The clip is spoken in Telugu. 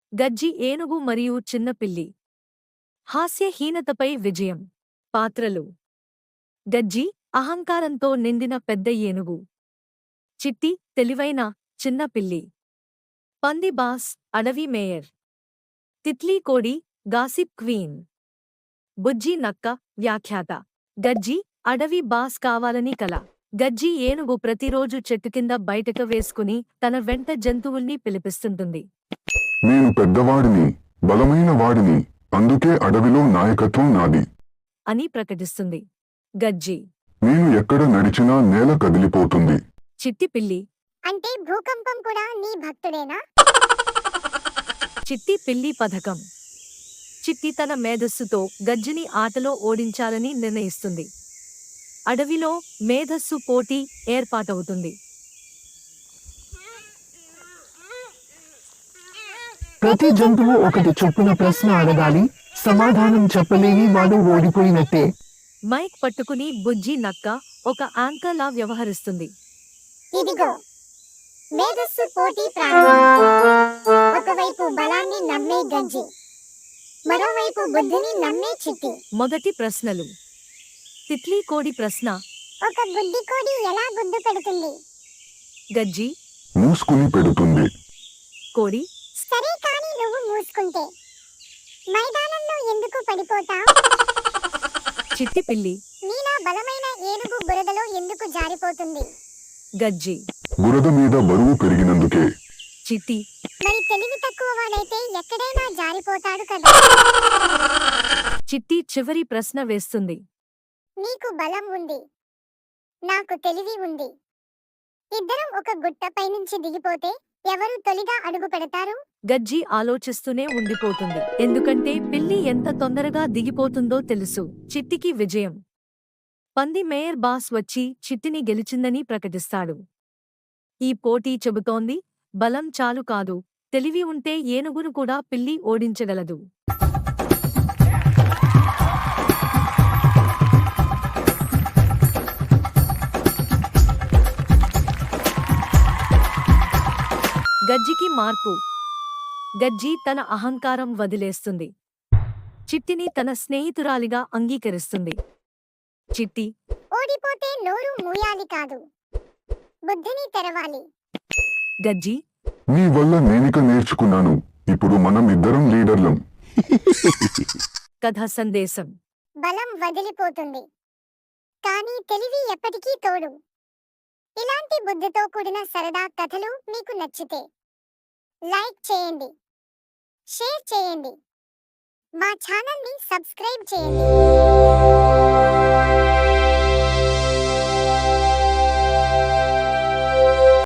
గజ్జి ఏనుగు మరియు చిన్న పిల్లి. హాస్యహీనతపై విజయం. పాత్రలు: గజ్జి అహంకారంతో నిండిన పెద్ద ఏనుగు. చిట్టి తెలివైన చిన్న పిల్లి. పంది బాస్ అడవి మేయర్. తిత్లీ కోడి గాసిప్ క్వీన్. బుజ్జి నక్క వ్యాఖ్యాత. గజ్జి అడవి బాస్ కావాలని కల. గజ్జి ఏనుగు ప్రతిరోజు చెట్టు కింద బయటకు వేసుకుని తన వెంట జంతువుల్ని పిలిపిస్తుంటుంది. నేను పెద్దవాడిని, బలమైన వాడిని, అందుకే అడవిలో నాయకత్వం నాది అని ప్రకటిస్తుంది. గజ్జి నేను ఎక్కడ నడిచినా నేల కదిలిపోతుంది. చిట్టి పిల్లి అంటే భూకంపం కూడా నీ భక్తుడేనా? చిట్టి పిల్లి పథకం. చిట్టి తన మేధస్సుతో గజ్జిని ఆటలో ఓడించాలని నిర్ణయిస్తుంది. అడవిలో మేధస్సు పోటీ ఏర్పాటవుతుంది. ప్రతి జంతువు ఒకటి చొప్పున ప్రశ్న అడగాలి, సమాధానం చెప్పలేని వాడు ఓడిపోయినట్టే. మైక్ పట్టుకుని బుజ్జి నక్క ఒక యాంకర్లా వ్యవహరిస్తుంది. ఇదిగో మేధస్సు పోటీ ప్రారంభం. ఒకవైపు బలాన్ని నమ్మే గజ్జి, మరోవైపు బుద్ధిని నమ్మే చిట్టి. మొదటి ప్రశ్నలు. తిత్లీ కోడి ప్రశ్న. ఒక గుడ్డి కోడి ఎలా గుడ్డు పెడుతుంది? గజ్జి మూసుకుని పెడుతుంది. కోడి సరే, కానీ నువ్వు మూసుకుంటే మైదానంలో ఎందుకు పడిపోతావ్? చిట్టి పిల్లి నీలా బలమైన ఏనుగు బురదలో ఎందుకు జారిపోతుంది? గజ్జి బురద మీద బరువు పెరిగినందుకే. చిట్టి మరి తెలివి తక్కువ వాడైతే ఎక్కడైనా జారిపోతాడు కదా. చిట్టి చివరి ప్రశ్న వేస్తుంది. నీకు బలం ఉంది, నాకు తెలివి ఉంది. ఇద్దరం ఒక గుట్టపై నుంచి దిగిపోతే ఎవరు తొలిగా అడుగు పెడతారు? గజ్జి ఆలోచిస్తూనే ఉండిపోతుంది. ఎందుకంటే పిల్లి ఎంత తొందరగా దిగిపోతుందో తెలుసు. చిట్టికి విజయం. పంది మేయర్ బాస్ వచ్చి చిట్టిని గెలిచిందని ప్రకటిస్తాడు. ఈ పోటీ చెబుతోంది, బలం చాలు కాదు, తెలివి ఉంటే ఏనుగును కూడా పిల్లి ఓడించగలదు. గజ్జికి మార్పు. గజ్జి తన అహంకారం వదిలేస్తుంది. చిట్టిని తన స్నేహితురాలిగా అంగీకరిస్తుంది. చిట్టి ఓడిపోతే నోరు మూయాలి కాదు, బుద్ధిని తెరవాలి. గజ్జి నీ వల్ల నేనిక నేర్చుకున్నాను, ఇప్పుడు మనం ఇద్దరం లీడర్లం. కథ సందేశం. బలం వదిలిపోతుంది, కానీ తెలివి ఎప్పటికీ తోడు. ఇలాంటి బుద్ధితో కూడిన సరదా కథలు మీకు నచ్చితే లైక్ చేయండి, షేర్ చేయండి, మా ఛానల్ని సబ్స్క్రైబ్ చేయండి.